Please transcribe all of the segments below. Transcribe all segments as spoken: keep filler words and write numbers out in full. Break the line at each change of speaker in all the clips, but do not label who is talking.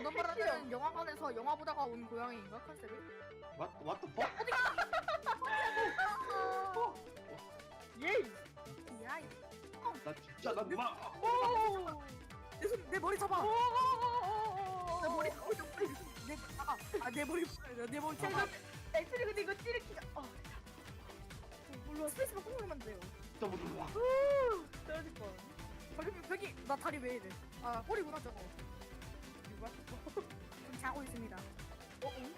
너는 영화관에서 영화 보다가 온 고양이인가 컨셉이?
What what the fuck?
예이.
야, 이-
나 진짜 나 누나.
오.
내, 손, 내 머리 잡아.
오.
내 머리, 어, 내 머리, 내 잡아. 아, 내 머리, 내 머리 잡아.
애들이 근데 이거 찌르기가. 어.
물론 스페이스만 꾹 누르면 돼요.
진짜 못 누나.
후. 떨어질 뻔.
벽이, 벽이, 나 다리 왜 이래? 아, 꼬리구나 저거.
누가?
좀 자고 있습니다.
어? 응?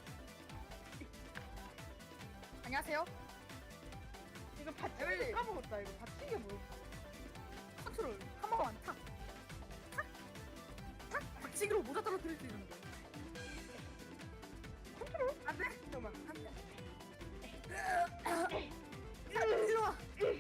안녕하세요.
이거 받치기
에밀리.
까먹었다. 이거 받치기 뭐야?
컨트롤 한 번만 탁, 탁, 탁. 박치기로 모자 떨어뜨릴 수 있는 거. 컨트롤? 안 돼.
잠깐만.
안 돼. 야, 이리 와.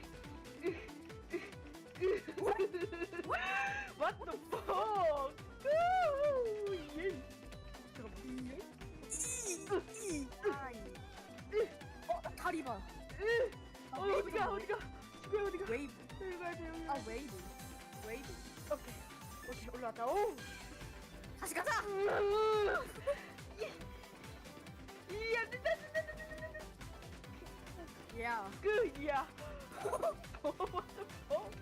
What the fuck? 우, 예. 잠깐만. 예?
이, 이, 아이. 어, 다리 봐. 아,
어,
웨이브
어디가
좀
어디가? 지금 어디가?
웨이브.
여기 가야 돼 여기.
아, 웨이브. 웨이브.
오케이. 오케이 올라왔다. 오.
다시 가자.
이 안 된다 안 된다 안 된다 안 된다.
야.
그 이야. What the fuck?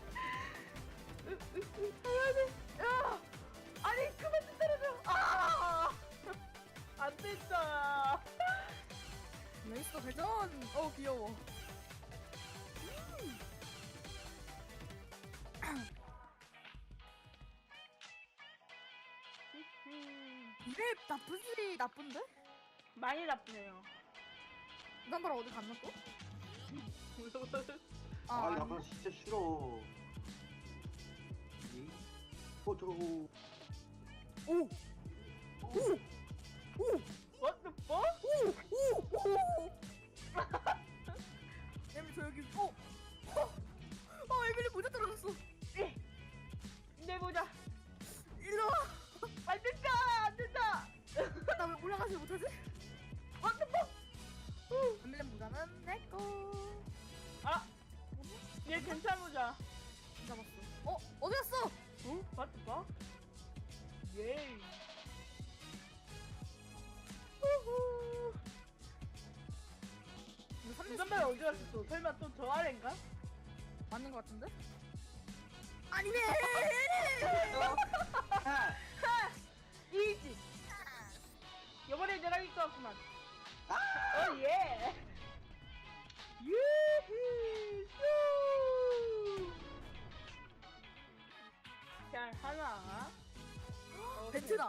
야. 아니 그만 좀 때려줘. 아. 안 된다.
레이스터 회전. 어, 귀여워. 이래 나쁘지 나쁜데?
많이 나쁘네요.
남바라 어디 갔나 또?
아,
아니.
약간 진짜 싫어. 이? 어 저거.
오! 오! 오!
What the fuck?
오! 오! 에밀리 저 여기 어! 어! 어 에밀리 모자 떨어졌어.
내 모자.
일로 와.
안 된다 안 된다.
나 왜 올라가지 못하지?
What the fuck?
에밀리 모자는 내 거.
아. 얘 괜찮은 모자.
잡았어. 어? 어디 갔어?
어? What the fuck? 예이. 후후.
이거 삼
잠깐만 어디 갔어? 설마 또 저 아래인가?
맞는 거 같은데? 아니네.
아,
이지. 이번에 내가 이길 것 같구만. 어 예. 유후 슈. 잘 하나. 어,
벤트다.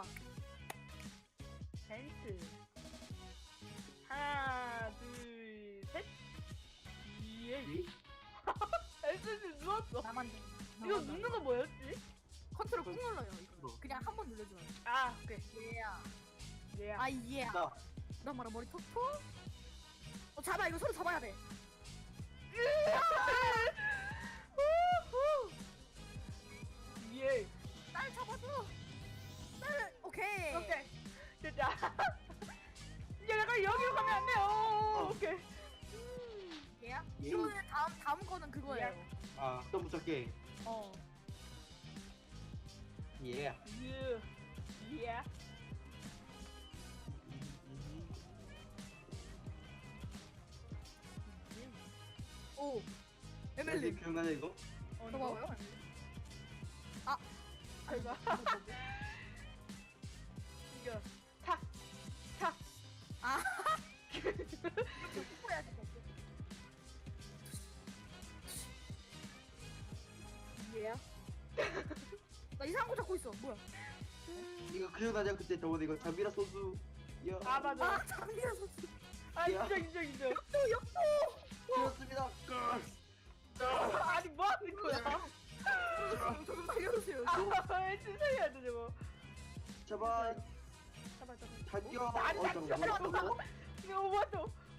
벤트. 하나 둘 셋. 예.
이?
벤트 누웠어.
나만
이거 눕는 거 뭐였지?
컨트롤 꾹 눌러요 이거.
어.
그냥 한 번 눌러줘요.
아 오케이.
예야.
예.
아 예.
나.
나 말아 머리 톡톡. 어 잡아 이거 서로 잡아야 돼.
우후. 예.
날 잡아줘. 날 오케이.
오케이. 됐다. 야, 약간 여기로 가면 안 돼요. 오케이.
예야.
예.
이거는 다음 다음 거는 그거예요.
아, 또 무섭게.
어.
예.
유. 예.
오.
에밀리
에밀리.
기억나냐 이거?
어,
저거 봐요. 아.
아이고. 이거 탁. 탁.
아. 뽀뽀 해야지.
예.
나 이상한 거 잡고 있어. 뭐야?
이거 기억나냐 그때 저번에 이거 잠비라 소수. 야.
아 맞아.
아 장미라서.
아
야.
인정 인정 인정.
또 역도.
그렇습니다.
아니 뭐 하는 거야?
저좀 살려주세요.
아 진짜 해야 돼 저거.
제발
잡아 잡아.
달겨.
아니,
어,
아니,
잠깐만.
잠깐만.
어,
이거 뭐야?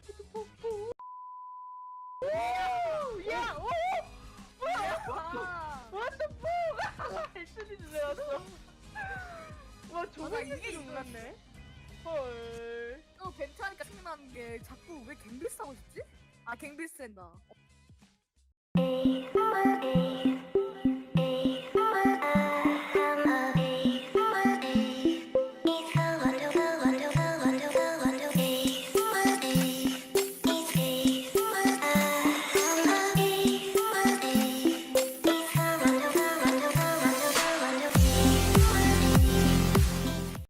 오! 야! 오! 뭐야?
아.
What the fuck? 에스디 주세요. 와
맞아,
조각이
이게
놀랐네. 헐.
또 벤트 하니까 생각나는 게 자꾸 왜 갱빌스 하고 싶지? 아 갱빌스 한다.
A,